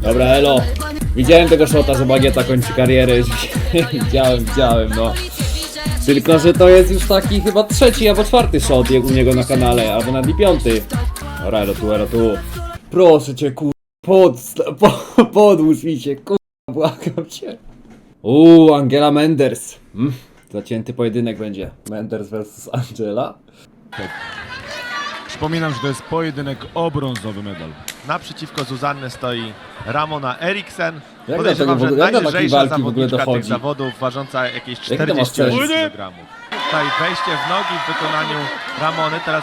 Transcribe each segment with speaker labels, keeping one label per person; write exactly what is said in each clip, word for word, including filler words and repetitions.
Speaker 1: Dobra, elo. Widziałem tego shota, że Bagieta kończy karierę. Widziałem, widziałem, no. Tylko, że to jest już taki chyba trzeci albo czwarty shot u niego na kanale, albo nawet i piąty. Dobra, elo tu, elo tu. Proszę cię, kur... Pod... Po, podłóż mi się, kur... Błagam cię. Uuu, Angela Menders. Mm, zacięty pojedynek będzie. Menders versus Angela.
Speaker 2: Przypominam, że to jest pojedynek o brązowy medal.
Speaker 3: Naprzeciwko Zuzanny stoi Ramona Eriksen.
Speaker 1: Jak
Speaker 3: Podejrzewam,
Speaker 1: do tego w
Speaker 3: że
Speaker 1: ogóle- jak do takiej
Speaker 3: najlżejsza
Speaker 1: walki w ogóle
Speaker 3: zawodniczka tych
Speaker 1: dochodzi?
Speaker 3: zawodów, ważąca jakieś
Speaker 1: Jak to masz
Speaker 3: czterdzieści osiem
Speaker 1: sens?
Speaker 3: kilogramów. Tutaj wejście w nogi w wykonaniu Ramony, teraz...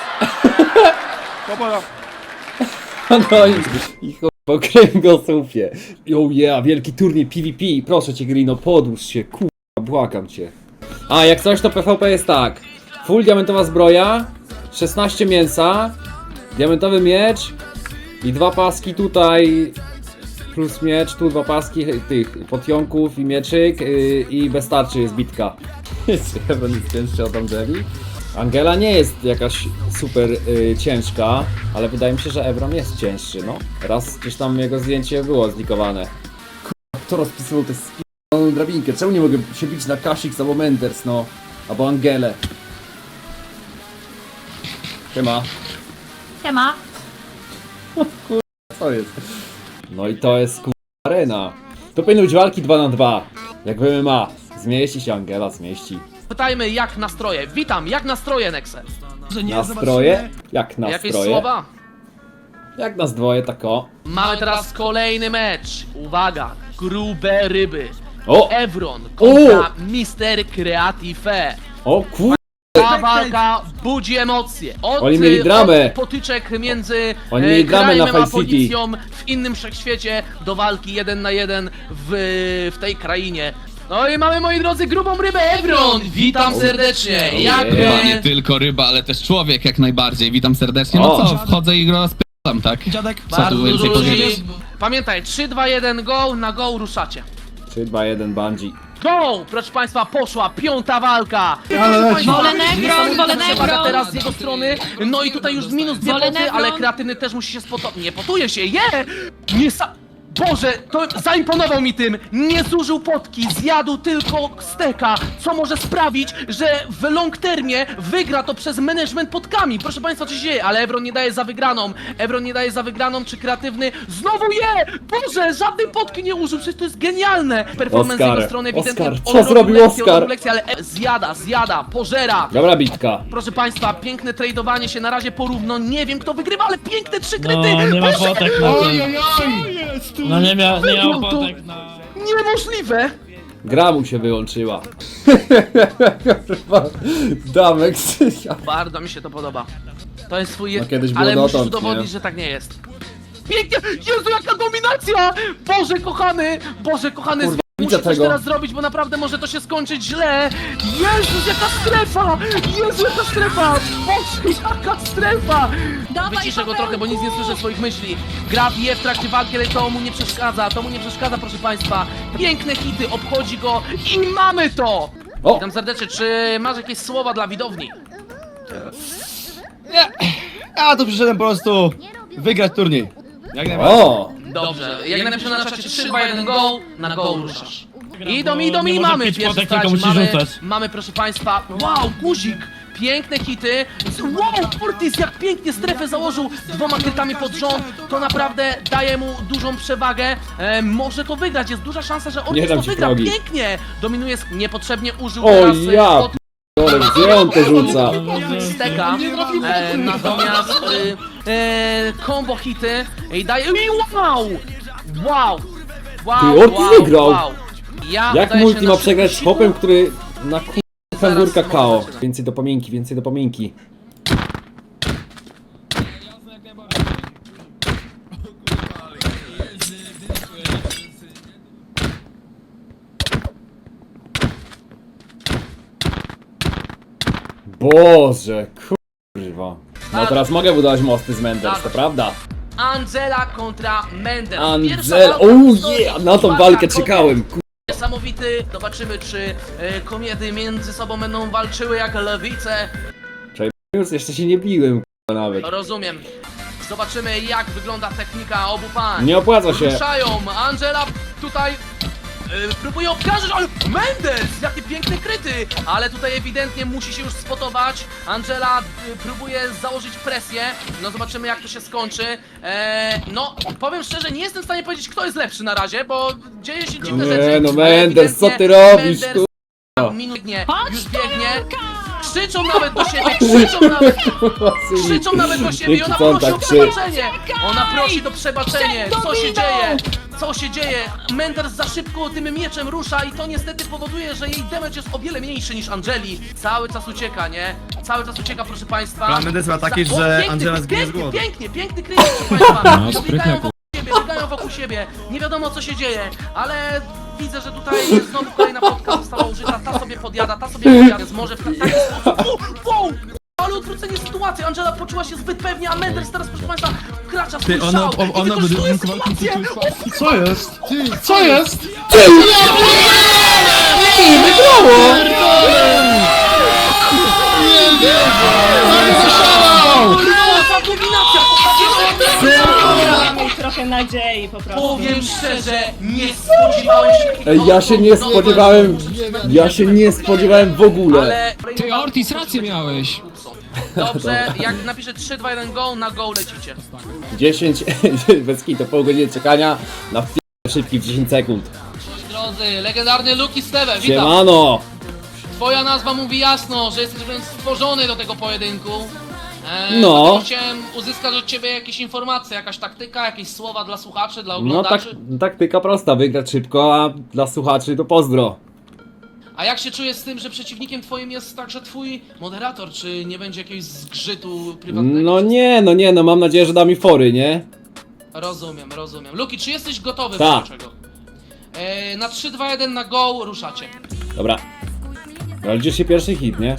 Speaker 1: No i, i ch... po kręgosłupie. Yo yeah, wielki turniej P V P. Proszę cię, Grino, podłóż się, kurwa, błagam cię. A, jak coś to P V P jest tak. Full diamentowa zbroja, szesnaście mięsa, diamentowy miecz i dwa paski tutaj, plus miecz, tu dwa paski tych potionków i mieczyk yy, i bez tarczy jest bitka. Jest chyba nic cięższy od Angeli. Angela nie jest jakaś super yy, ciężka, ale wydaje mi się, że Ebron jest cięższy, no. Raz gdzieś tam jego zdjęcie było zlikowane. Kurwa, kto rozpisywał tę sp***ną drabinkę? Czemu nie mogę się bić na Kasix albo Menders, no? Albo Angelę. Siema.
Speaker 4: Siema.
Speaker 1: Co jest? No i to jest kurwa arena. To powinny być walki dwa na dwa. Jak w M M A. Zmieści się Angela, zmieści.
Speaker 5: Pytajmy jak nastroje. Witam, jak nastroje, Nexe?
Speaker 1: Nastroje? Jak
Speaker 5: Jakieś
Speaker 1: nastroje?
Speaker 5: słowa?
Speaker 1: Jak nas dwoje, tak o.
Speaker 5: Mamy teraz kolejny mecz. Uwaga, grube ryby.
Speaker 1: O!
Speaker 5: Evron kontra mister Creative.
Speaker 1: O kur...
Speaker 5: Ta walka budzi emocje. Od,
Speaker 1: Oni mieli dramę.
Speaker 5: od potyczek między
Speaker 1: Oni
Speaker 5: e,
Speaker 1: mieli dramę na
Speaker 5: Grime'em a
Speaker 1: Fight City.
Speaker 5: policją w innym wszechświecie do walki jeden na jeden w, w tej krainie. No i mamy, moi drodzy, grubą rybę Evron! Witam serdecznie! Jak...
Speaker 1: Ojej.
Speaker 5: e,
Speaker 6: Nie tylko ryba, ale też człowiek jak najbardziej. Witam serdecznie. No
Speaker 1: O.
Speaker 6: co, wchodzę i go rozpytam, tak?
Speaker 7: Dziadek,
Speaker 6: Co tu
Speaker 5: Bardzo
Speaker 6: więcej
Speaker 5: dużo ludzi.
Speaker 6: powiedzieć?
Speaker 5: Pamiętaj, trzy, dwa, jeden, go, na go ruszacie.
Speaker 1: trzy, dwa, jeden, bungee.
Speaker 5: Go! Proszę państwa, poszła piąta walka!
Speaker 4: Wolę Negron, wolę
Speaker 5: Przewaga
Speaker 4: Negron!
Speaker 5: teraz z jego strony, no i tutaj już minus dwie
Speaker 4: Wolę
Speaker 5: poty,
Speaker 4: Negron.
Speaker 5: ale kreatywny też musi się spotować. Nie potuje się, je! Nie sa... Boże, to zaimponował mi tym! Nie zużył potki, zjadł tylko steka, co może sprawić, że w long termie wygra to przez management potkami. Proszę państwa, co się dzieje? Ale Evron nie daje za wygraną. Evron nie daje za wygraną, czy kreatywny znowu je! Boże, żadnej potki nie użył, przecież to jest genialne! Performance z
Speaker 1: Oskar,
Speaker 5: jego strony ewidentnie.
Speaker 1: Oskar, co
Speaker 5: on robił
Speaker 1: zrobił
Speaker 5: lekcję, on
Speaker 1: Oskar?
Speaker 5: robił lekcję, ale e- zjada, zjada, pożera.
Speaker 1: Dobra bitka.
Speaker 5: Proszę państwa, piękne tradowanie się na razie porówno. Nie wiem kto wygrywa, ale piękne trzy kryty!
Speaker 7: No, nie ma
Speaker 5: Boże,
Speaker 7: potek na to. No nie miał, nie miał
Speaker 5: Wygrał to.
Speaker 7: potek na...
Speaker 5: Niemożliwe!
Speaker 1: Gra mu się wyłączyła. Damek Krzysia.
Speaker 5: Bardzo mi się to podoba. To jest swój...
Speaker 1: No, kiedyś było
Speaker 5: ale musisz
Speaker 1: dotąd,
Speaker 5: udowodnić,
Speaker 1: nie?
Speaker 5: że tak nie jest. Pięknie! Jezu, jaka dominacja! Boże kochany! Boże kochany!
Speaker 1: Kurwa,
Speaker 5: Muszę
Speaker 1: widzę
Speaker 5: coś
Speaker 1: tego.
Speaker 5: teraz zrobić, bo naprawdę może to się skończyć źle! Jezus, jaka strefa! Jezu, jaka strefa! Boże, jaka strefa!
Speaker 4: Dawaj,
Speaker 5: Wyciszę go
Speaker 4: Pawełku!
Speaker 5: trochę, bo nic nie słyszę swoich myśli. Gra bije w trakcie walki, ale to mu nie przeszkadza, to mu nie przeszkadza, proszę państwa. Piękne hity, obchodzi go i mamy to!
Speaker 1: O!
Speaker 5: Witam serdecznie, czy masz jakieś słowa dla widowni?
Speaker 8: Nie! Ja tu przyszedłem po prostu wygrać turniej. Jak najbardziej.
Speaker 1: O!
Speaker 5: Dobrze, jak napiszę na czacie trzy, dwa, jeden, go, na go ruszasz. Idą, idą
Speaker 7: nie
Speaker 5: i
Speaker 7: może
Speaker 5: mamy
Speaker 7: pić
Speaker 5: pierwszy
Speaker 7: potek,
Speaker 5: stać,
Speaker 7: tylko musi
Speaker 5: mamy,
Speaker 7: rzucać.
Speaker 5: mamy proszę państwa, wow, guzik! Piękne hity. Wow, Fortis jak pięknie strefę założył dwoma krytami pod rząd. To naprawdę daje mu dużą przewagę. E, może to wygrać, jest duża szansa, że
Speaker 1: Nie
Speaker 5: Ortiz
Speaker 1: dam
Speaker 5: to
Speaker 1: ci
Speaker 5: wygra.
Speaker 1: progi.
Speaker 5: Pięknie! Dominuje, sk- niepotrzebnie użył
Speaker 1: O
Speaker 5: teraz e,
Speaker 1: ja!
Speaker 5: od
Speaker 1: P***dolę, gdzie on to rzuca?
Speaker 5: steka. E, natomiast e, e, combo hity i daje. I wow! Wow! Wow!
Speaker 1: Ty, Ortiz
Speaker 5: wow,
Speaker 1: wygrał.
Speaker 5: wow. Ja
Speaker 1: Jak
Speaker 5: udaję się
Speaker 1: multi
Speaker 5: na
Speaker 1: ma przegrać z
Speaker 5: szybkim
Speaker 1: chłopem, który na k***a fangurka
Speaker 5: Zaraz
Speaker 1: K O?
Speaker 5: mogę.
Speaker 1: Więcej dopominki, więcej dopominki. Boże, kurwa. No teraz mogę budować mosty z Menders, to prawda?
Speaker 5: Angela kontra Mendel.
Speaker 1: Angel, oh yeah! Na tą walkę czekałem, kur...
Speaker 5: Niesamowity. Zobaczymy, czy e, kobiety między sobą będą walczyły jak lewice.
Speaker 1: Już jeszcze się nie biłem, kurwa, nawet.
Speaker 5: Rozumiem. Zobaczymy, jak wygląda technika obu pań.
Speaker 1: Nie opłaca się.
Speaker 5: Ruszają, Angela tutaj yy, próbuje obkarżyć, ale Mendes, jakie piękne kryty, ale tutaj ewidentnie musi się już spotować. Angela yy, próbuje założyć presję, no zobaczymy, jak to się skończy. Eee, no, powiem szczerze, nie jestem w stanie powiedzieć, kto jest lepszy na razie, bo dzieje się dziwne
Speaker 1: Nie,
Speaker 5: rzeczy.
Speaker 1: no
Speaker 5: ale
Speaker 1: Mendes, co ty
Speaker 5: ewidentnie
Speaker 1: robisz,
Speaker 5: Mendes
Speaker 1: kurwa?
Speaker 5: minutnie, już biegnie. Krzyczą nawet do siebie, krzyczą nawet, krzyczą nawet do siebie i ona
Speaker 1: Co on
Speaker 5: prosi
Speaker 1: tak
Speaker 5: o
Speaker 1: krzyczy?
Speaker 5: przebaczenie. Ona prosi o przebaczenie. Co się dzieje? Co się dzieje? Menders za szybko tym mieczem rusza i to niestety powoduje, że jej damage jest o wiele mniejszy niż Angeli. Cały czas ucieka, nie? Cały czas ucieka, proszę państwa.
Speaker 8: Plan Mendes ma taki,
Speaker 5: Za- o,
Speaker 8: że
Speaker 5: piękny,
Speaker 8: Angela zginie z
Speaker 5: piękny,
Speaker 8: głodu.
Speaker 5: Pięknie, piękny kryjek, proszę państwa.
Speaker 7: No,
Speaker 5: Biegają
Speaker 7: sprytne,
Speaker 5: wokół siebie, biegają wokół siebie. Nie wiadomo, co się dzieje, ale widzę, że tutaj znowu kolejna plotka została użyta. Ta sobie podjada, ta sobie podjada. Więc może w taki sposób... Wow, wow! Ale odwrócenie sytuacji. Angela poczuła się zbyt pewnie, a Menders teraz, proszę państwa, wkracza w swój
Speaker 7: Ty, ona-
Speaker 5: szał
Speaker 7: ona-
Speaker 5: i
Speaker 7: ona
Speaker 5: wykorzystuje
Speaker 7: będzie
Speaker 5: sytuację.
Speaker 8: Co jest? Co jest?
Speaker 5: Kurwa, dominacja!
Speaker 9: Mieć trochę nadziei po prostu.
Speaker 5: Powiem szczerze, nie spodziewałem się takiego...
Speaker 1: Ej, ja się nie
Speaker 5: no,
Speaker 1: spodziewałem, ja się nie spodziewałem w ogóle.
Speaker 5: Ale...
Speaker 7: Ty, Ortiz, rację miałeś.
Speaker 5: Dobrze, jak napiszę trzy, dwa, jeden go, na go lecicie.
Speaker 1: dziesięć, bez kitu, pół godziny czekania na f- szybki w dziesięć sekund.
Speaker 5: Drodzy, legendarny Luki Steve, witam.
Speaker 1: Siemano!
Speaker 5: Twoja nazwa mówi jasno, że jesteś wręcz stworzony do tego pojedynku. Eee,
Speaker 1: No.
Speaker 5: dlatego chciałem uzyskać od ciebie jakieś informacje, jakaś taktyka, jakieś słowa dla słuchaczy, dla
Speaker 1: No tak,
Speaker 5: oglądaczy.
Speaker 1: taktyka prosta, wygrać szybko, a dla słuchaczy to pozdro.
Speaker 5: A jak się czujesz z tym, że przeciwnikiem twoim jest także twój moderator? Czy nie będzie jakiegoś zgrzytu prywatnego?
Speaker 1: No nie, no nie, no mam nadzieję, że da mi fory, nie?
Speaker 5: Rozumiem, rozumiem. Luki, czy jesteś gotowy
Speaker 1: Tak.
Speaker 5: do czego? Eee, na trzy, dwa, jeden na go ruszacie.
Speaker 1: Dobra. No liczy się pierwszy hit, nie?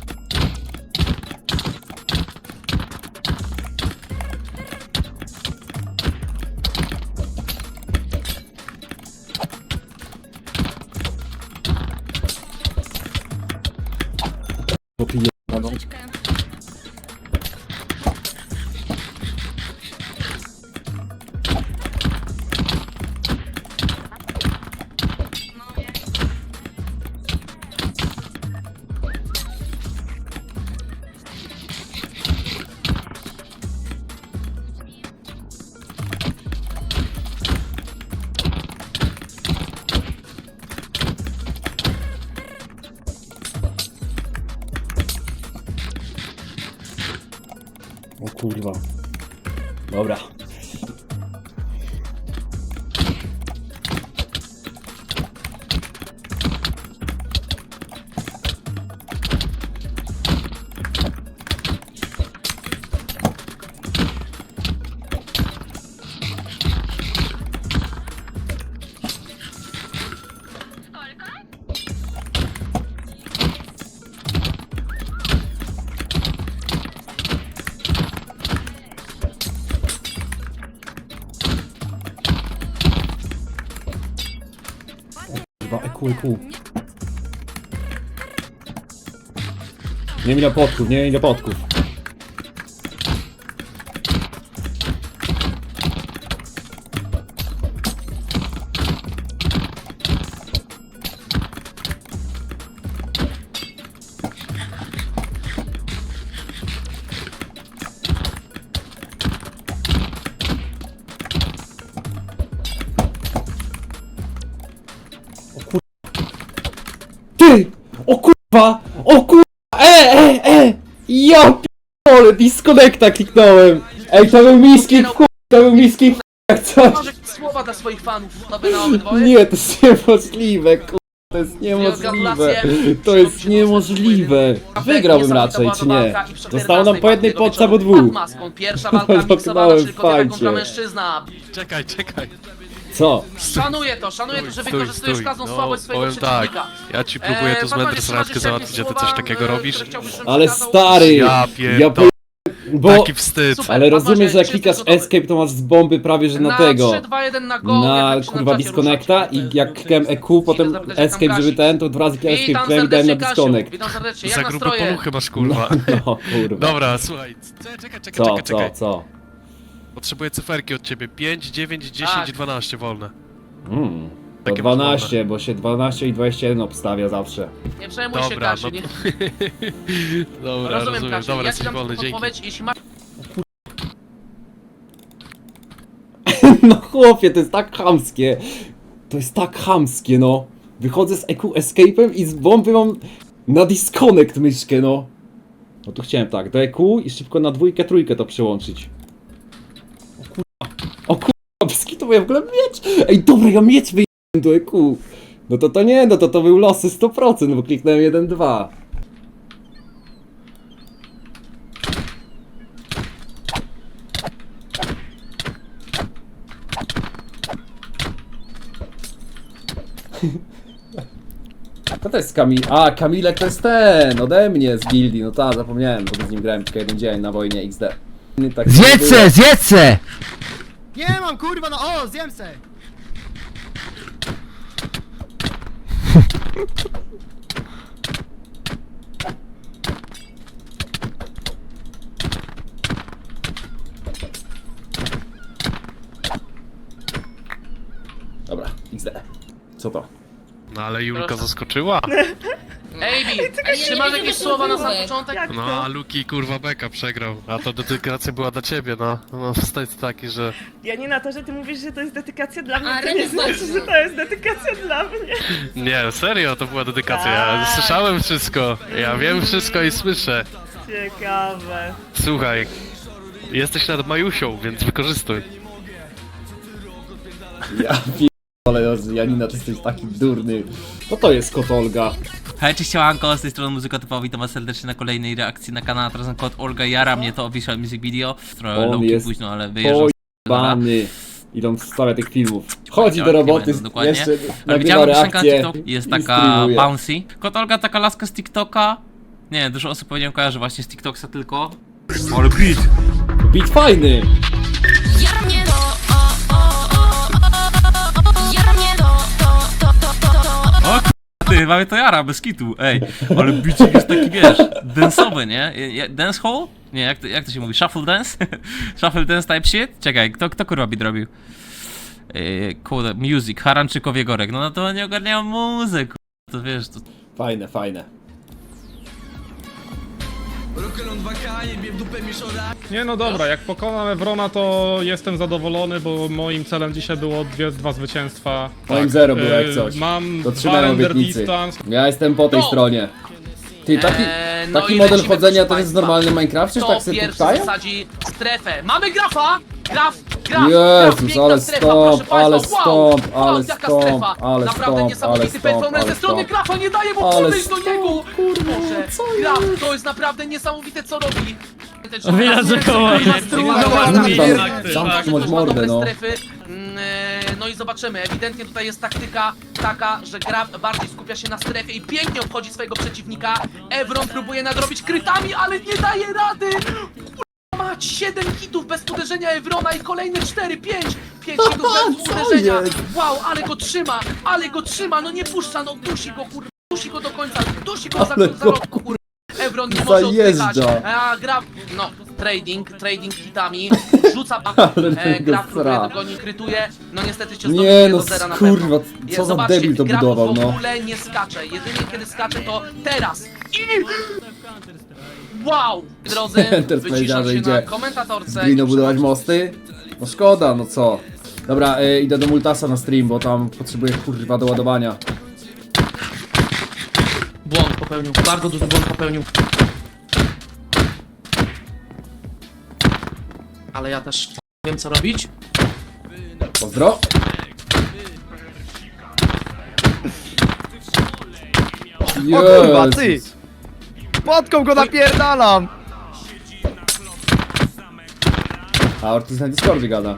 Speaker 1: Popiję. O kurwa. Dobra. Kurwa, E Q, E Q. Nie ile podków, nie ile podków. Ty! O kurwa! O kurwa! E, e, e! Ja p***ole, disconnecta kliknąłem! Ej, to był miski w chuj, to był miski w chuj, jak coś!
Speaker 5: Masz jakieś słowa dla swoich fanów, nowe na obydwoje?
Speaker 1: Nie, to jest niemożliwe, kurwa, to jest niemożliwe! To jest niemożliwe! Wygrałbym raczej, czy nie? Zostało nam po jednej podce albo dwóch.
Speaker 5: Maską. Pierwsza walka miksowana,
Speaker 1: Zamknąłem
Speaker 5: czyli kobieta kontra
Speaker 1: fajcie.
Speaker 5: mężczyzna.
Speaker 3: Czekaj, czekaj.
Speaker 1: Co?
Speaker 5: Szanuję to, szanuję to, że
Speaker 3: Stój,
Speaker 5: wykorzystujesz
Speaker 3: stój.
Speaker 5: każdą
Speaker 3: No,
Speaker 5: słabość swojego
Speaker 3: powiem tak,
Speaker 5: przeciwnika.
Speaker 3: ja ci próbuję
Speaker 5: Eee,
Speaker 3: tu z
Speaker 5: Batman,
Speaker 3: Menders
Speaker 5: jeszcze masz
Speaker 3: randkę
Speaker 5: jeszcze
Speaker 3: załatwić,
Speaker 5: jakieś
Speaker 3: a ty coś
Speaker 5: słowa,
Speaker 3: takiego
Speaker 5: e,
Speaker 3: robisz?
Speaker 5: które chciałbyś, żebym
Speaker 1: Ale
Speaker 5: przekazał?
Speaker 1: stary!
Speaker 3: Ja
Speaker 1: Ja po...
Speaker 3: pierdolę,
Speaker 1: Bo...
Speaker 3: taki wstyd.
Speaker 5: Super.
Speaker 1: Ale rozumiesz, że jak
Speaker 5: Czy
Speaker 1: klikasz
Speaker 5: jesteś gotowy?
Speaker 1: escape, to masz z bomby prawie że na tego.
Speaker 5: trzy, dwa, jeden na go,
Speaker 1: Na
Speaker 5: jak
Speaker 1: kurwa
Speaker 5: czacie
Speaker 1: disconnecta
Speaker 5: ruszacie.
Speaker 1: i jak klikałem E Q, potem
Speaker 5: zapytać, jak tam
Speaker 1: escape, żeby
Speaker 5: Kasi.
Speaker 1: ten, to dwa razy escape
Speaker 5: Witam
Speaker 1: klikałem i dałem na
Speaker 5: serdecznie, Kasiu.
Speaker 1: disconnect.
Speaker 5: Witam serdecznie, jak
Speaker 3: Za grube
Speaker 5: nastroje?
Speaker 3: poluchy masz, kurwa.
Speaker 1: No kurwa.
Speaker 3: Dobra, słuchaj, czekaj, czekaj,
Speaker 1: Co,
Speaker 3: czekaj,
Speaker 1: co,
Speaker 3: czekaj.
Speaker 1: co?
Speaker 10: Potrzebuję cyferki od ciebie. pięć, dziewięć, dziesięć,
Speaker 5: Tak.
Speaker 10: dwanaście wolne.
Speaker 1: Mm. To
Speaker 10: Takie masz
Speaker 1: dwanaście, bo się dwanaście i dwadzieścia jeden obstawia zawsze.
Speaker 5: Nie przejmuj się,
Speaker 10: Dobra,
Speaker 5: Kasiu,
Speaker 10: no
Speaker 5: nie...
Speaker 10: Dobra,
Speaker 5: Rozumiem,
Speaker 10: rozumiem.
Speaker 5: Kasiu,
Speaker 10: Dobra,
Speaker 5: ja
Speaker 10: jesteś
Speaker 5: ci dam
Speaker 10: wolny,
Speaker 5: tylko
Speaker 10: dzięki.
Speaker 5: podpowiedź, jeśli masz...
Speaker 1: No chłopie, to jest tak chamskie. To jest tak chamskie, no. Wychodzę z E Q Escape'em i z bomby mam na disconnect myszkę, no. No tu chciałem tak, do E Q i szybko na dwójkę, trójkę to przełączyć. O kurwa, o kurwa, brzydki to ja w ogóle miecz. Ej, dobra, ja miecz wyjechałem do E Q. No to to nie, no to to był losy sto procent, bo kliknąłem jeden dwa. To to jest Kamil. A, Kamilek to jest ten, ode mnie z gildii. No tak, zapomniałem, bo z nim grałem tylko jeden dzień na wojnie X D. Tak
Speaker 11: Zjedźce, zjedźce!
Speaker 8: Nie mam kurwa, no o, zjem se!
Speaker 1: Dobra, X D. Co to?
Speaker 10: No ale Julka
Speaker 5: Proszę.
Speaker 10: zaskoczyła.
Speaker 5: Ejbi, czy masz jakieś słowa na sam początek?
Speaker 9: Jak
Speaker 10: No
Speaker 9: to?
Speaker 10: a Luki kurwa beka przegrał. A to dedykacja była dla ciebie, no. No wstać taki, że...
Speaker 9: Ja nie na to, że ty mówisz, że to jest dedykacja dla mnie,
Speaker 4: A,
Speaker 9: to nie
Speaker 4: Remis
Speaker 9: znaczy,
Speaker 4: Marcin.
Speaker 9: że to jest dedykacja dla mnie.
Speaker 10: Nie, serio, to była dedykacja. Ja
Speaker 9: Tak.
Speaker 10: słyszałem wszystko. Ja wiem wszystko i słyszę.
Speaker 9: Ciekawe.
Speaker 10: Słuchaj, jesteś nad Majusią, więc wykorzystuj.
Speaker 1: Ja ale Janina, ty jesteś taki durny. Co to jest kot Olga?
Speaker 12: Hej, cześć, siemanko, z tej strony Muzyka Typowa, witam was serdecznie na kolejnej reakcji na kanał. Teraz na kod Olga jara mnie to Official Music Video. Trochę
Speaker 1: On
Speaker 12: lowki
Speaker 1: jest
Speaker 12: późno, ale wyjeżdżam z kanału.
Speaker 1: Pojebany. Ile on wstawia tych filmów. Chodzi do
Speaker 12: Tak,
Speaker 1: roboty,
Speaker 12: nie będę, dokładnie.
Speaker 1: jeszcze
Speaker 12: Ale
Speaker 1: nagrywa
Speaker 12: widziałem piosenka na
Speaker 1: reakcję
Speaker 12: TikTok, jest
Speaker 1: i
Speaker 12: taka
Speaker 1: streamuje.
Speaker 12: bouncy. Kod Olga, taka laska z TikToka. Nie, dużo osób pewnie kojarzy właśnie z TikToksa tylko. Ale beat!
Speaker 1: Beat fajny!
Speaker 12: Ty, mamy to jara, bez kitu, ej. Ale beatik jest taki, wiesz, dance'owy, nie? Je- Dance hall? Nie, jak to, jak to się mówi? Shuffle dance? Shuffle dance type shit? Czekaj, kto, kto kurwa beat robił? Yy, kurde, music, Haranczykow Jegorek. No, no to nie ogarniają muzyk, to wiesz, to...
Speaker 1: Fajne, fajne.
Speaker 13: Nie no dobra, jak pokonam Evrona, to jestem zadowolony, bo moim celem dzisiaj było dwie, dwa zwycięstwa.
Speaker 1: Moim zero było jak
Speaker 13: Yy,
Speaker 1: coś.
Speaker 13: Mam
Speaker 1: To
Speaker 13: dwa
Speaker 1: trzymałem
Speaker 13: render
Speaker 1: obietnicy.
Speaker 13: distance.
Speaker 1: Ja jestem po tej
Speaker 5: No.
Speaker 1: stronie. Ty, taki,
Speaker 5: Eee, no
Speaker 1: taki
Speaker 5: i
Speaker 1: model
Speaker 5: lecimy,
Speaker 1: chodzenia
Speaker 5: proszę
Speaker 1: to jest w
Speaker 5: państwa.
Speaker 1: normalnym Minecrafcie, że
Speaker 5: Kto
Speaker 1: tak sobie
Speaker 5: pierwszy
Speaker 1: puszczają?
Speaker 5: zasadzi strefę? Mamy grafa! Graf, graf,
Speaker 1: Jezus,
Speaker 5: graf, piękna
Speaker 1: ale
Speaker 5: strefa,
Speaker 1: stąd,
Speaker 5: proszę
Speaker 1: ale
Speaker 5: państwa.
Speaker 1: stąd,
Speaker 5: wow,
Speaker 1: ale
Speaker 5: wow, jaka
Speaker 1: stąd,
Speaker 5: strefa.
Speaker 1: ale
Speaker 5: Naprawdę
Speaker 1: stąd,
Speaker 5: niesamowity
Speaker 1: ale
Speaker 5: performance
Speaker 1: stąd,
Speaker 5: ze strony
Speaker 1: ale
Speaker 5: grafa, nie daje mu
Speaker 1: Ale
Speaker 5: podejść do
Speaker 1: stąd,
Speaker 5: niego!
Speaker 1: kurwa,
Speaker 5: Boże,
Speaker 1: co
Speaker 5: graf,
Speaker 1: jest?
Speaker 5: to jest naprawdę niesamowite, co robi.
Speaker 9: Widać, że koło jest.
Speaker 1: Zamknąć mordę, no.
Speaker 5: Strefy. Mm, e, No i zobaczymy, ewidentnie tutaj jest taktyka taka, że gra bardziej skupia się na strefie i pięknie obchodzi swojego przeciwnika. Evron próbuje nadrobić krytami, ale nie daje rady! Kurwa mać, siedem hitów bez uderzenia Evrona i kolejne cztery, pięć! pięć hitów bez
Speaker 1: Co
Speaker 5: uderzenia!
Speaker 1: jest?
Speaker 5: Wow, ale go trzyma, ale go trzyma, no nie puszcza, no dusi go kurwa, dusi go do końca, dusi go za,
Speaker 1: Ale
Speaker 5: za
Speaker 1: go,
Speaker 5: rok, kurwa. Evron nie może
Speaker 1: zajeżdża.
Speaker 5: oddychać, a gra, no, trading, trading hitami, rzuca,
Speaker 1: Ale
Speaker 5: e,
Speaker 1: tego
Speaker 5: gra próbuje
Speaker 1: sra.
Speaker 5: dogoni, krytuje, no niestety cię
Speaker 1: Nie
Speaker 5: zdobył
Speaker 1: no,
Speaker 5: do zera na
Speaker 1: kurwa,
Speaker 5: pewno.
Speaker 1: co za
Speaker 5: Zobaczcie,
Speaker 1: debil to
Speaker 5: gra
Speaker 1: budował,
Speaker 5: w
Speaker 1: no.
Speaker 5: ogóle nie skacze, jedynie kiedy skacze to teraz i... Wow! Drodzy,
Speaker 1: Enter
Speaker 5: wyciszam
Speaker 1: powiedział, że
Speaker 5: się
Speaker 1: idzie
Speaker 5: na komentatorce.
Speaker 1: z Greeno
Speaker 5: i
Speaker 1: budować
Speaker 5: przechodzi-
Speaker 1: mosty? No szkoda, no co. Dobra, y, idę do Multasa na stream, bo tam potrzebuję kurwa do ładowania.
Speaker 5: Błąd popełnił, bardzo duży błąd popełnił. Ale ja też wiem co robić.
Speaker 1: Pozdro.
Speaker 8: O kurwa, ty!
Speaker 1: Jezus.
Speaker 8: Podką go napierdalam!
Speaker 1: A Ortiz na Discordzie gada.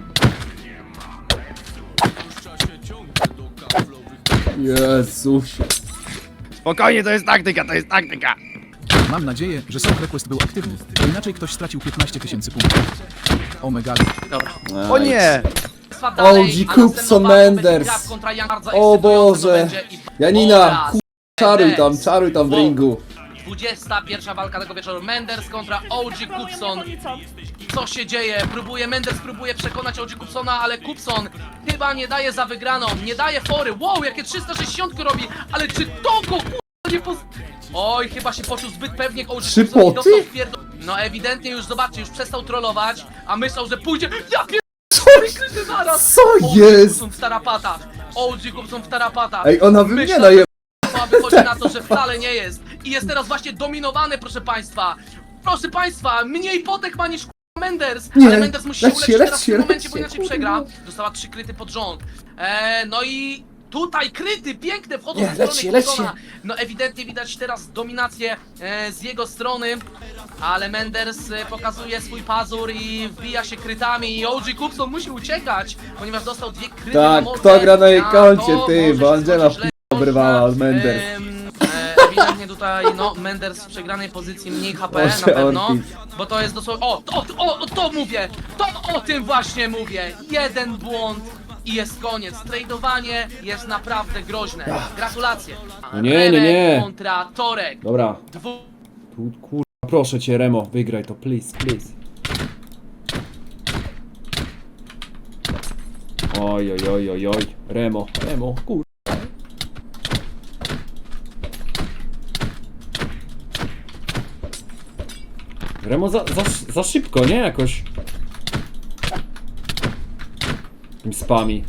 Speaker 1: Jezusie.
Speaker 8: Spokojnie, to jest taktyka, to jest taktyka!
Speaker 11: Mam nadzieję, że Soul Request był aktywny, bo inaczej ktoś stracił piętnaście tysięcy punktów. Omega.
Speaker 5: Dobra.
Speaker 8: O nie!
Speaker 5: Dalej,
Speaker 1: O G.
Speaker 5: a następną
Speaker 1: Kupson
Speaker 5: walką będzie
Speaker 1: Menders.
Speaker 5: Graf kontra Young, bardzo
Speaker 1: O
Speaker 5: ekscytujące to
Speaker 1: Boże.
Speaker 5: będzie i-
Speaker 1: Janina,
Speaker 5: oraz
Speaker 1: ku... czaruj tam,
Speaker 5: Menders.
Speaker 1: czaruj tam w
Speaker 5: Wow.
Speaker 1: ringu.
Speaker 5: dwudziesta pierwsza walka tego wieczoru. Menders kontra O G Kupson. Co się dzieje? Próbuje, Menders próbuje przekonać O G Kupsona, ale Kupson chyba nie daje za wygraną, nie daje fory. Wow, jakie trzysta sześćdziesiąt robi, ale czy to go k***a nie poz... Oj, chyba się poczuł zbyt pewnie O G
Speaker 1: Trzy
Speaker 5: Kupson i
Speaker 1: poty?
Speaker 5: dostał wpierdol... No ewidentnie już, zobaczcie, już przestał trollować, a myślał, że pójdzie... Ja pier... Cztery kryty naraz!
Speaker 1: Co
Speaker 5: O G
Speaker 1: jest?
Speaker 5: Kupson w tarapatach. O G Kupson w tarapatach.
Speaker 1: Ej, ona wy mnie
Speaker 5: Myślał,
Speaker 1: daje.
Speaker 5: a wychodzi na to, że wcale nie jest. I jest teraz właśnie dominowany, proszę państwa. Proszę państwa, mniej potek ma niż k***a Menders.
Speaker 1: Nie,
Speaker 5: Ale Menders musi się
Speaker 1: lecz się,
Speaker 5: uleczyć
Speaker 1: lecz
Speaker 5: teraz w
Speaker 1: się,
Speaker 5: tym momencie,
Speaker 1: lecz
Speaker 5: bo
Speaker 1: się,
Speaker 5: inaczej przegra. Dostała trzy kryty pod rząd. Eee, no i tutaj kryty, piękne, wchodzą
Speaker 1: Nie,
Speaker 5: w
Speaker 1: lecz
Speaker 5: stronę
Speaker 1: się, lecz
Speaker 5: Kupsona.
Speaker 1: się.
Speaker 5: No ewidentnie widać teraz dominację e, z jego strony. Ale Menders e, pokazuje swój pazur i wbija się krytami. I O G Kupson musi uciekać, ponieważ dostał dwie kryty
Speaker 1: Tak,
Speaker 5: na mordę.
Speaker 1: kto gra na jej
Speaker 5: A
Speaker 1: koncie,
Speaker 5: to
Speaker 1: ty,
Speaker 5: może
Speaker 1: bo
Speaker 5: się
Speaker 1: Angela
Speaker 5: skończyć źle.
Speaker 1: obrywała od Menders.
Speaker 5: Em, e, Ewidentnie tutaj, no, Menders w przegranej pozycji, mniej H P
Speaker 1: Boże,
Speaker 5: na pewno,
Speaker 1: Ortiz.
Speaker 5: bo to jest dosłownie, o, to, o, o, to mówię, to o tym właśnie mówię, jeden błąd i jest koniec, tradowanie jest naprawdę groźne, gratulacje.
Speaker 1: No nie, nie, nie.
Speaker 5: Remek kontra Torek,
Speaker 1: Dobra,
Speaker 5: dwu...
Speaker 1: tu kurwa, proszę cię Remo, wygraj to, please, please. Oj, oj, oj, oj, oj, Remo, Remo, kurwa. Remo za, za, za szybko, nie? Jakoś. Tym spami.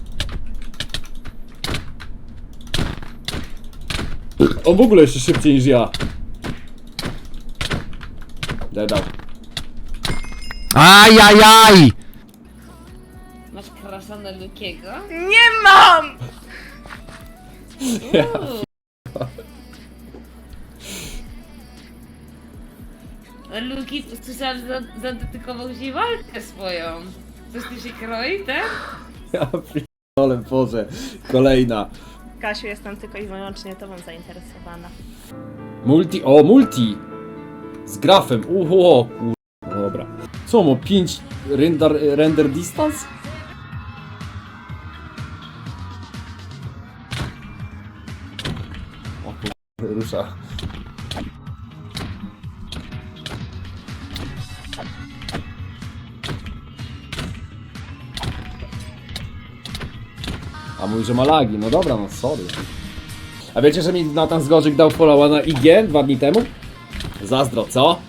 Speaker 1: On w ogóle jeszcze szybciej niż ja. Dedał.
Speaker 8: Ajajaj!
Speaker 4: Masz krasza na Lukiego?
Speaker 9: Nie mam!
Speaker 4: Luki, słyszałam, że zadedykował ci walkę swoją. Coś ty się kroi, tak?
Speaker 1: Ja pierdolę, Boże. Kolejna.
Speaker 9: Kasiu, jestem tylko i wyłącznie tobą zainteresowana.
Speaker 1: Multi, o multi! Z grafem, uho, kur... No dobra. Co, ma pięć render, render distance? O kur... rusza. A mówi, że ma lagi, no dobra, no sorry. A wiecie, że mi Natan Zgorzyk dał followa na I G dwa dni temu? Zazdro, co?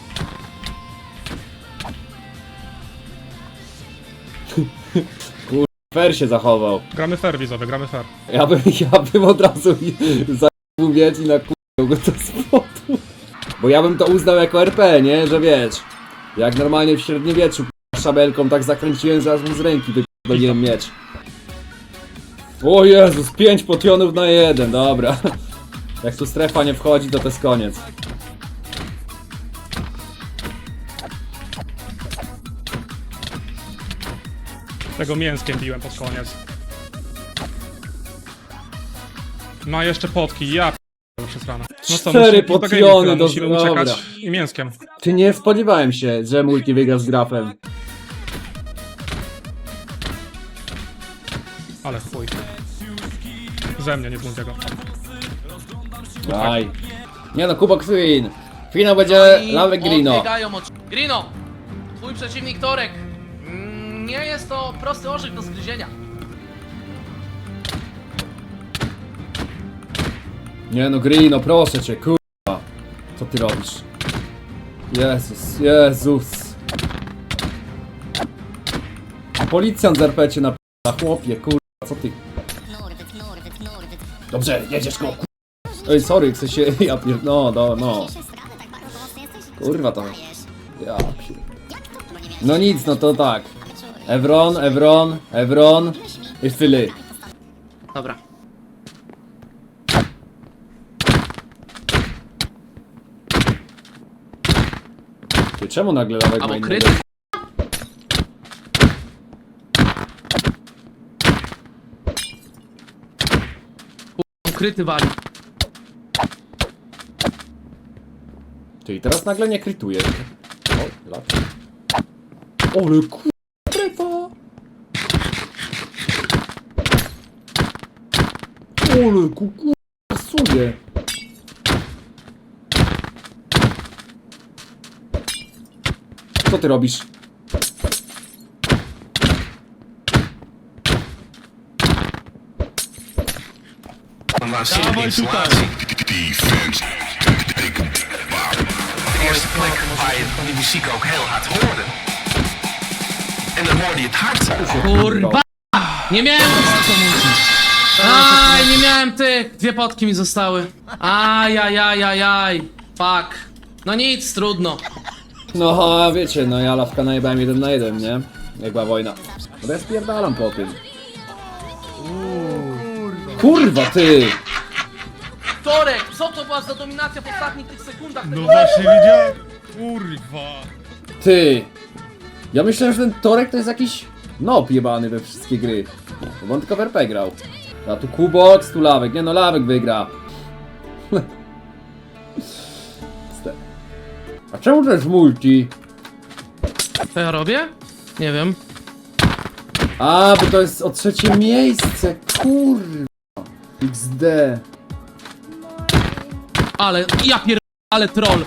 Speaker 1: Kur... fair się zachował.
Speaker 13: Gramy fair, widzowie, gramy fair.
Speaker 1: Ja bym, ja bym od razu za***ł mieć i nakurzył go to spotu. Bo ja bym to uznał jako R P, nie? Że wiesz, jak normalnie w średniowieczu k***a, szabelką tak zakręciłem, że aż mu z ręki wypierdoliłem miecz. O Jezus, pięć potionów na jeden, dobra. Jak tu strefa nie wchodzi, to to jest koniec.
Speaker 13: Tego mięskiem biłem pod koniec. No a jeszcze potki, ja p***ę przez rano. No co,
Speaker 1: Cztery
Speaker 13: musimy- do
Speaker 1: potiony
Speaker 13: gaming
Speaker 1: do-
Speaker 13: musimy
Speaker 1: dobra.
Speaker 13: uciekać i mięskiem.
Speaker 1: Czy nie spodziewałem się, że multi wygra z grafem.
Speaker 13: Ale chuj. Ze mnie, nie z Multiego.
Speaker 1: Daj. Nie no, Kubok Queen. Finał będzie
Speaker 5: I
Speaker 1: Lawek Grino.
Speaker 5: odbiegają od... Grino, twój przeciwnik Torek. Mm, Nie jest to prosty orzech do zgryzienia.
Speaker 1: Nie no, Grino, proszę cię, kurwa. Co ty robisz? Jezus, Jezus. Policjant z R P cię na p***a, chłopie, kurwa, co ty? Dobrze, jedziesz go, kurwa. Ej, sorry, chcę się, ja pier... no, no, no. Kurwa to. Ja pier... No nic, no to tak. Evron, Evron, Evron i Philly.
Speaker 5: Dobra.
Speaker 1: Ty, czemu nagle Lawek ma
Speaker 5: Albo
Speaker 1: innego?
Speaker 5: kryty. Kryty wali.
Speaker 1: Ty, i teraz nagle nie krytuje. O, lat. Ole kurwa, trefa! Ole kurwa, pasuje. Co ty robisz?
Speaker 2: Dawaj tutaj!
Speaker 5: Kurwa! Nie miałem Aj, nie miałem tych! Dwie potki mi zostały. Aj, aj, aj, aj, aj. Fuck. No nic, trudno.
Speaker 1: No, a wiecie, no ja lawka najebałem jeden na jeden, nie? Jak była wojna. No ja spierdalam po tym. Kurwa, ty!
Speaker 5: Torek, co to była za dominacja w ostatnich tych sekundach?
Speaker 2: No właśnie widziałem! Kurwa!
Speaker 1: Ty! Ja myślałem, że ten Torek to jest jakiś nob jebany we wszystkie gry. Bo on tylko w R P grał. A tu Kubox, tu Lawek. Nie no, Lawek wygra. Ste- A czemu to jest multi?
Speaker 5: Co ja robię? Nie wiem.
Speaker 1: A, bo to jest o trzecie miejsce. Kurwa. X D.
Speaker 5: Ale, ja pier... ale troll.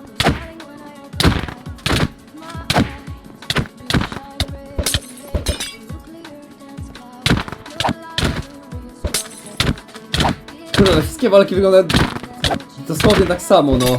Speaker 1: Kurde, wszystkie walki wyglądają dosłownie tak samo, no.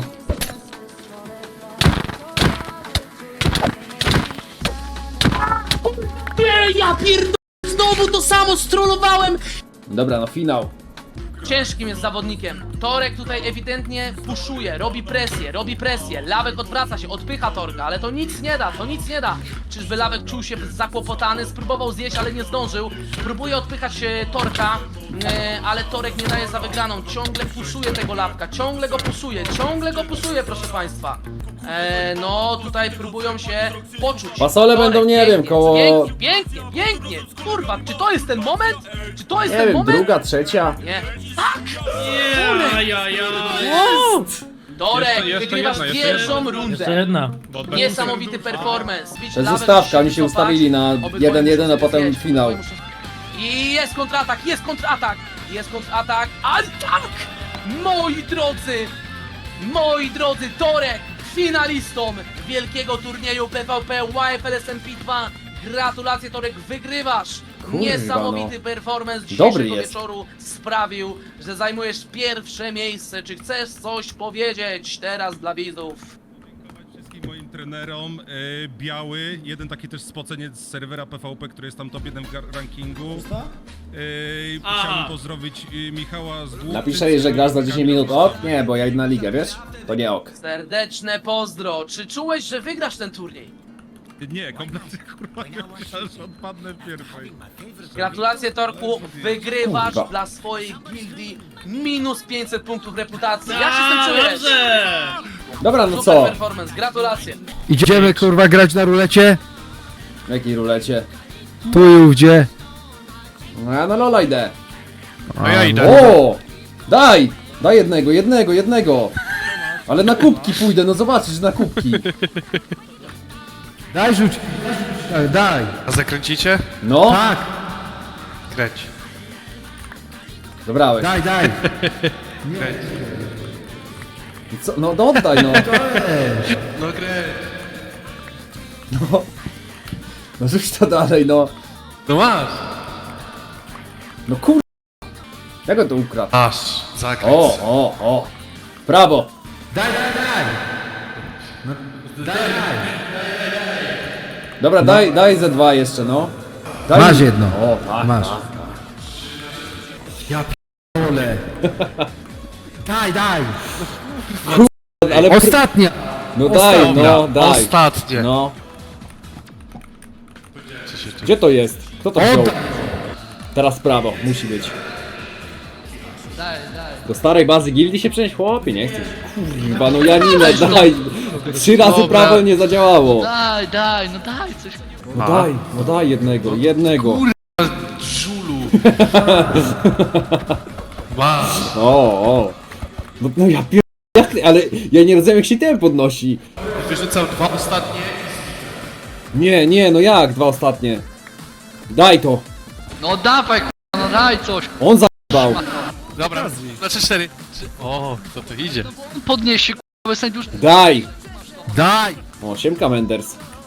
Speaker 5: Nie, ja pierd... Znowu to samo strollowałem!
Speaker 1: Dobra, no finał.
Speaker 5: Ciężkim jest zawodnikiem. Torek tutaj ewidentnie puszuje, robi presję, robi presję. Lawek odwraca się, odpycha Torka, ale to nic nie da, to nic nie da. Czyżby Lawek czuł się zakłopotany, spróbował zjeść, ale nie zdążył. Próbuje odpychać e, Torka, e, ale Torek nie daje za wygraną. Ciągle puszuje tego Lawka, ciągle go puszuje, ciągle go puszuje, proszę państwa. E, no, tutaj próbują się poczuć.
Speaker 1: Fasole będą, nie
Speaker 5: pięknie,
Speaker 1: wiem, koło-
Speaker 5: Pięknie, pięknie, pięknie. Kurwa, czy to jest ten moment? Czy to jest
Speaker 1: Nie
Speaker 5: ten
Speaker 1: wiem,
Speaker 5: moment?
Speaker 1: druga, trzecia.
Speaker 5: Nie. Tak! Dorek,
Speaker 13: Jeszcze- jeszcze
Speaker 5: wygrywasz
Speaker 13: jedna, jeszcze
Speaker 5: pierwszą
Speaker 13: jedna.
Speaker 5: rundę.
Speaker 7: jedna.
Speaker 13: Bo będę
Speaker 5: Niesamowity performance. Widzisz,
Speaker 1: To jest
Speaker 5: Lawek
Speaker 1: zostawka, oni
Speaker 5: musi
Speaker 1: się
Speaker 5: cofać.
Speaker 1: ustawili na
Speaker 5: Obydwoje
Speaker 1: jeden jeden, a
Speaker 5: muszą
Speaker 1: potem
Speaker 5: zjeść,
Speaker 1: finał.
Speaker 5: obydwoje muszą- I jest kontratak, jest kontratak, jest kontratak, a tak! Moi drodzy, moi drodzy, Dorek, finalistą wielkiego turnieju P V P Y F L S M P dwa. Gratulacje, Torek, wygrywasz!
Speaker 1: Kurwa,
Speaker 5: Niesamowity
Speaker 1: no.
Speaker 5: performance
Speaker 1: Dobry
Speaker 5: dzisiejszego
Speaker 1: jest.
Speaker 5: wieczoru sprawił, że zajmujesz pierwsze miejsce. Czy chcesz coś powiedzieć teraz dla widzów?
Speaker 2: Wszystkim moim trenerom, e, Biały, jeden taki też spoceniec z serwera P V P, który jest tam top jeden w gar- rankingu. E, chciałbym pozdrowić e, Michała z Główcy.
Speaker 1: Napiszę jej, że grasz za dziesięć minut ok? Nie, bo ja idę na ligę, wiesz? To nie ok.
Speaker 5: Serdeczne pozdro. Czy czułeś, że wygrasz ten turniej?
Speaker 2: Nie, kompletnie kurwa nie myślałem, że odpadnę w pierwszej.
Speaker 5: Gratulacje, Torku, wygrywasz
Speaker 1: Kurwa.
Speaker 5: dla swojej gildii minus pięćset punktów reputacji. Jak się z tym czujesz?
Speaker 1: Dobra, no
Speaker 5: Super
Speaker 1: co?
Speaker 5: performance, gratulacje.
Speaker 8: Idziemy kurwa grać na rulecie?
Speaker 1: W jakiej rulecie?
Speaker 8: Tu i ówdzie.
Speaker 1: No ja na Lola idę.
Speaker 10: No ja idę.
Speaker 1: O! Daj! Daj jednego, jednego, jednego! Ale na kubki pójdę, no zobaczysz, na kubki.
Speaker 8: Daj rzuć. Tak, daj.
Speaker 10: A zakręcicie?
Speaker 1: No,
Speaker 8: Tak,
Speaker 10: Kręć.
Speaker 1: dobrałeś.
Speaker 8: daj, daj.
Speaker 1: I co? No, no oddaj, no.
Speaker 10: No kręć.
Speaker 1: No, no rzuć to dalej, no.
Speaker 10: No masz.
Speaker 1: No kur... Jak on to ukradł?
Speaker 10: Masz. Zakręć.
Speaker 1: O, o, o. Prawo.
Speaker 8: Daj, daj, daj. No, daj, daj.
Speaker 1: Dobra, daj, daj ze dwa jeszcze, no. Daj
Speaker 8: Masz
Speaker 1: mi-
Speaker 8: jedno.
Speaker 1: O, tak,
Speaker 8: Masz.
Speaker 1: tak.
Speaker 8: Ole. Daj, daj.
Speaker 1: Ale...
Speaker 8: Ostatnia.
Speaker 1: No daj, no, daj.
Speaker 10: Ostatnie.
Speaker 1: No. Gdzie to jest? Kto to wziął? Teraz prawo, musi być. Do starej bazy gildii się przenieść, chłopie, nie chcesz? Kurwa, no Janinę, daj! Trzy razy
Speaker 10: Dobra.
Speaker 1: prawo nie zadziałało.
Speaker 5: Daj, daj, no daj coś.
Speaker 1: No daj, no daj jednego, jednego.
Speaker 10: Żulu. Masz.
Speaker 1: O, o. No, no ja pier... Jak, ale ja nie rozumiem, jak się ten podnosi.
Speaker 10: Wyrzucam dwa ostatnie.
Speaker 1: Nie, nie, no jak dwa ostatnie? Daj to.
Speaker 5: No dawaj, no daj coś.
Speaker 1: On zajebał.
Speaker 10: Dobra, znaczy cztery. Trzy- O, kto to idzie?
Speaker 5: Podnieś się, k***a, sędziusz.
Speaker 1: Daj.
Speaker 8: Daj.
Speaker 1: O, siemka Menders.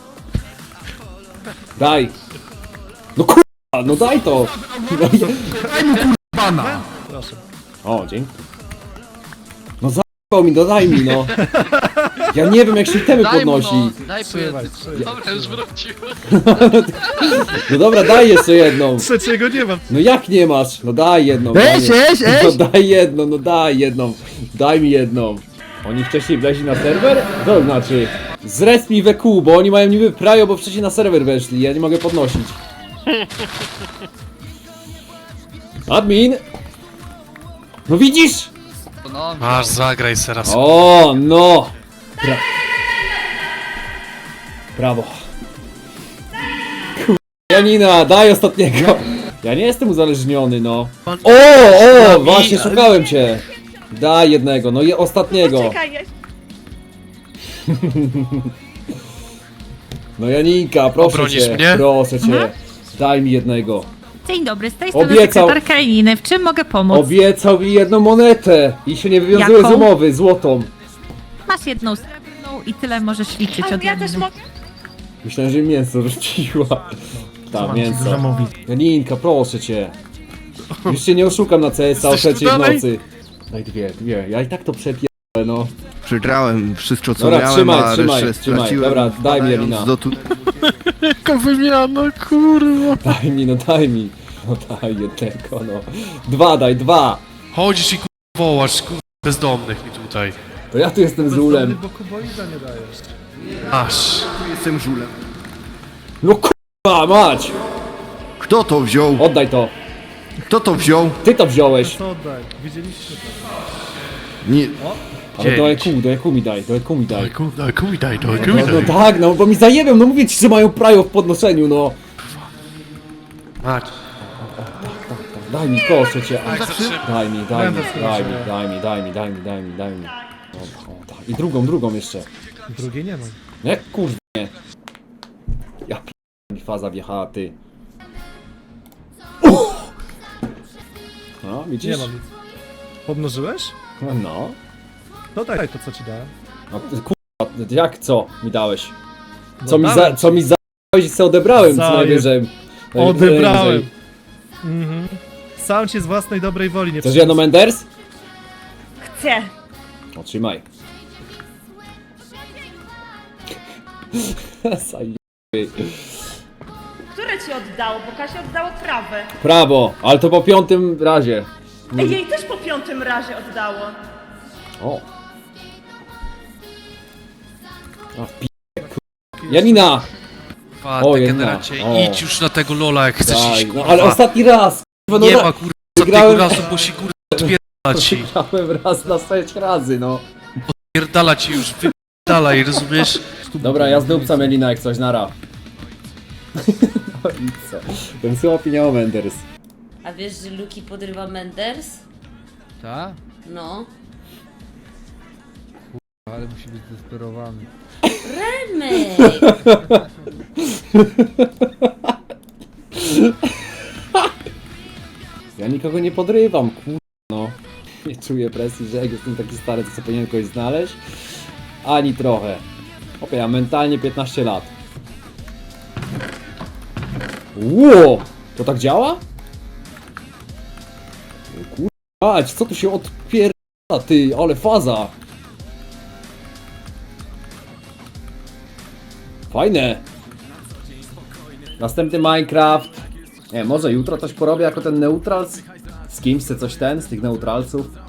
Speaker 1: Daj. No kurwa, no daj to.
Speaker 11: Daj mu kurwa!
Speaker 1: O, dzięki. No za***ał mi, no daj mi, no. Ja nie wiem jak się temy podnosi.
Speaker 5: Daj
Speaker 10: Dobra, już wrócił.
Speaker 1: No dobra, daj jeszcze jedną.
Speaker 11: Trzeciego nie mam.
Speaker 1: No jak nie masz? No daj jedną.
Speaker 8: Eś,
Speaker 1: daj
Speaker 8: eś, eś!
Speaker 1: No daj jedną, no daj jedną. Daj mi jedną. Oni wcześniej wleźli na serwer? To znaczy... Zrest mi we kół, bo oni mają niby prajo, bo wcześniej na serwer weszli. Ja nie mogę podnosić. Admin! No widzisz?
Speaker 10: Masz, zagraj teraz.
Speaker 1: O, no! Bra Brawo. Kur- Janina, daj ostatniego. Ja nie jestem uzależniony, no. O, o, właśnie szukałem cię. Daj jednego, no i ostatniego.
Speaker 9: Czekaj, ja...
Speaker 1: No Janinka, proszę
Speaker 10: Obronisz
Speaker 1: cię,
Speaker 10: mnie?
Speaker 1: proszę cię. Daj mi jednego.
Speaker 9: Dzień dobry, z tej
Speaker 1: strony Obiecał.
Speaker 9: sekretarka Janiny. W czym mogę pomóc?
Speaker 1: Obiecał mi jedną monetę i się nie wywiązuje z
Speaker 9: Jaką?
Speaker 1: umowy, złotą.
Speaker 9: Masz jedną srebrną i tyle możesz liczyć od ja też mogę.
Speaker 1: Myślałem, że mięso rzuciła. Ta, mięso. Janinka, proszę cię. Już cię nie oszukam na C S a o
Speaker 10: Jesteś tu
Speaker 1: trzeciej w
Speaker 10: dalej?
Speaker 1: nocy. Daj dwie, dwie. Ja i tak to przepierdolę, no.
Speaker 8: Przegrałem wszystko co
Speaker 1: Dobra,
Speaker 8: miałem,
Speaker 1: trzymaj,
Speaker 8: a
Speaker 1: trzymaj,
Speaker 8: resztę
Speaker 1: trzymaj.
Speaker 8: straciłem.
Speaker 1: Dobra, daj mi, Janina.
Speaker 8: Do tu...
Speaker 10: Jaka wymiana, kurwa.
Speaker 1: Daj mi, no daj mi. No daj jednego, no. Dwa, daj, dwa.
Speaker 10: Chodzisz i kurwa wołasz, kurwa bezdomnych mi tutaj.
Speaker 1: To ja tu jestem z ulem.
Speaker 10: Aż.
Speaker 8: Jestem żulem.
Speaker 1: No kurwa, mać.
Speaker 8: Kto to wziął?
Speaker 1: Oddaj to.
Speaker 8: Kto to wziął?
Speaker 1: Ty to wziąłeś.
Speaker 8: Nie.
Speaker 1: Ale do E Q, do E Q mi daj, do E Q mi daj.
Speaker 10: Daj, kurwa, daj, kuj daj, daj,
Speaker 1: No,
Speaker 10: kuj
Speaker 1: no
Speaker 10: daj.
Speaker 1: tak, no bo mi zajebią, no mówię ci, że mają prajo w podnoszeniu, no.
Speaker 10: Mać.
Speaker 1: Daj mi, proszę cię.
Speaker 10: Tak, zatrzymaj.
Speaker 1: Daj mi, daj mi, daj mi, daj mi, daj mi, daj mi, daj mi, daj mi. O, o, tak. I drugą, drugą jeszcze.
Speaker 11: Drugiej nie mam.
Speaker 1: No jak kurwa nie. Ja p***, mi faza wjechała, ty. Uff! No, widzisz?
Speaker 11: Nie mam nic. Podnożyłeś?
Speaker 1: No.
Speaker 11: To daj to co ci dałem.
Speaker 1: No kurwa, jak co mi dałeś?
Speaker 11: No
Speaker 1: Co mi za,
Speaker 11: dałem
Speaker 1: co mi za... i se odebrałem co
Speaker 11: Zaje-
Speaker 1: najwyżej.
Speaker 11: Odebrałem.
Speaker 1: Najwyżej.
Speaker 11: Mhm. Sam cię z własnej dobrej woli nie
Speaker 1: Chcesz jedno Menders?
Speaker 9: Chcę.
Speaker 1: Otrzymaj. Zajebie.
Speaker 9: Które ci oddało? Bo Kasia oddało prawe.
Speaker 1: Prawo, ale to po piątym razie.
Speaker 9: Ej, jej też po piątym razie oddało.
Speaker 1: O. A w p***e, kur... Janina!
Speaker 10: Kurwa,
Speaker 1: O,
Speaker 10: degeneracie,
Speaker 1: jedna. O.
Speaker 10: idź już na tego lola jak chcesz
Speaker 1: Daj,
Speaker 10: iść,
Speaker 1: no,
Speaker 10: kurwa.
Speaker 1: ale ostatni raz! Kurwa,
Speaker 10: Nie
Speaker 1: no,
Speaker 10: ma kurwa
Speaker 1: Wygrałem-
Speaker 10: ostatniego razu, bo się kurwa odpierdala ci.
Speaker 1: Wygrałem raz na sześć razy, no.
Speaker 10: Odpierdala ci już, wypierdalaj, rozumiesz?
Speaker 1: Dobra, ja zdupcam Janina jak coś, nara. No i co? Ten słabo miał Menders.
Speaker 4: A wiesz, że Luki podrywa Menders?
Speaker 5: Tak?
Speaker 4: No.
Speaker 5: Ale musi być zdesperowany.
Speaker 4: Remek!
Speaker 1: Ja nikogo nie podrywam, kur... no. Nie czuję presji, że jak jestem taki stary, to sobie powinien kogoś znaleźć. Ani trochę. Opie, ja mentalnie piętnaście lat. Ło! To tak działa? Kurwa, co tu się odpierdala, ty, ale faza! Fajne! Następny Minecraft. Nie, może jutro coś porobię jako ten neutrals? Z kimś chce coś ten, z tych neutralców?